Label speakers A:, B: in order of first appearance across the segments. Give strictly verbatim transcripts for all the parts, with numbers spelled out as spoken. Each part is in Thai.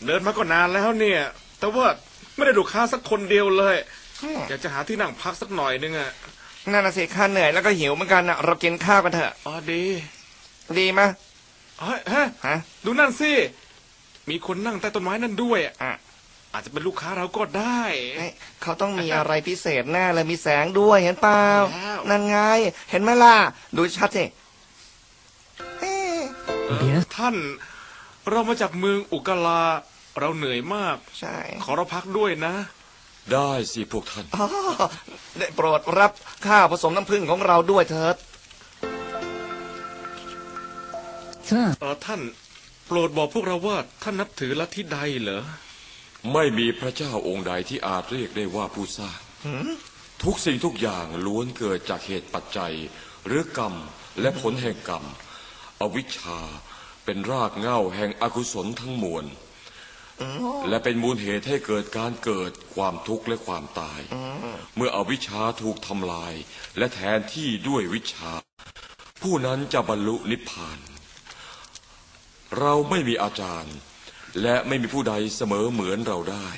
A: เดินมาก็นานแล้วเนี่ยแต่ว่าไม่ได้ดูค้าสักคนเดียวเลยอยากจะหาที่นั่งพักสักหน่อยนึงอะ
B: นั่นน่ะสิข้าเหนื่อยแล้วก็หิวเหมือนกันนะเรากินข้าวกันเถอะ
A: อ๋อดี
B: ดีมั้ย
A: เฮ้ยฮะดูนั่นสิมีคนนั่งใต้ต้นไม้นั่นด้วยอ่ะอาจจะเป็นลูกค้าเราก็ได้
B: เขาต้องมีอะไรพิเศษแน่เลยมีแสงด้วยเห็นเปล่านั่นไงเห็นไหมล่ะดูชัดสิ
A: ท่านเรามาจากเมืองอุกาลาเราเหนื่อยมาก
B: ใช่
A: ขอเราพักด้วยนะ
C: ได้สิพวกท่าน
B: ได้โปรดรับข้าวผสมน้ำผึ้งของเราด้วยเถิด
A: เออท่านโปรดบอกพวกเราว่าท่านนับถือลัทธิใดเหรอ
C: ไม่มีพระเจ้าองค์ใดที่อาจเรียกได้ว่าผู้สร้างทุกสิ่งทุกอย่างล้วนเกิดจากเหตุปัจจัยหรือกรรมและผลแห่งกรรมอวิชชาเป็นรากเหง้าแห่งอกุศลทั้งมวลและเป็นมูลเหตุให้เกิดการเกิดความทุกข์และความตายเมื่ออวิชชาถูกทำลายและแทนที่ด้วยวิชชาผู้นั้นจะบรรลุนิพพานเราไม่มีอาจารย์และไม่มีผู้ใดเสมอเหมือนเราได้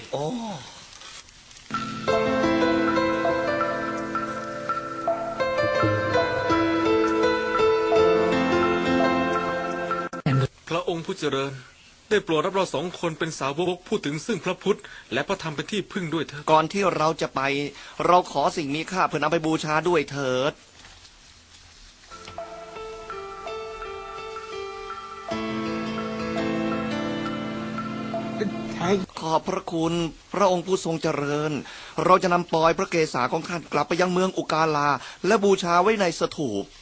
A: พระองค์ผู้เจริญได้โปรดรับเราสองคนเป็นสาวกพูดถึงซึ่งพระพุทธและพระธรรมเป็นที่พึ่งด้วยเถิด
B: ก่อนที่เราจะไปเราขอสิ่งมีค่าเพื่อนำไปบูชาด้วยเถิดขอบพระคุณพระองค์ผู้ทรงเจริญเราจะนำปลอยพระเกศาของท่านกลับไปยังเมืองอุกาลาและบูชาไว้ในสถูป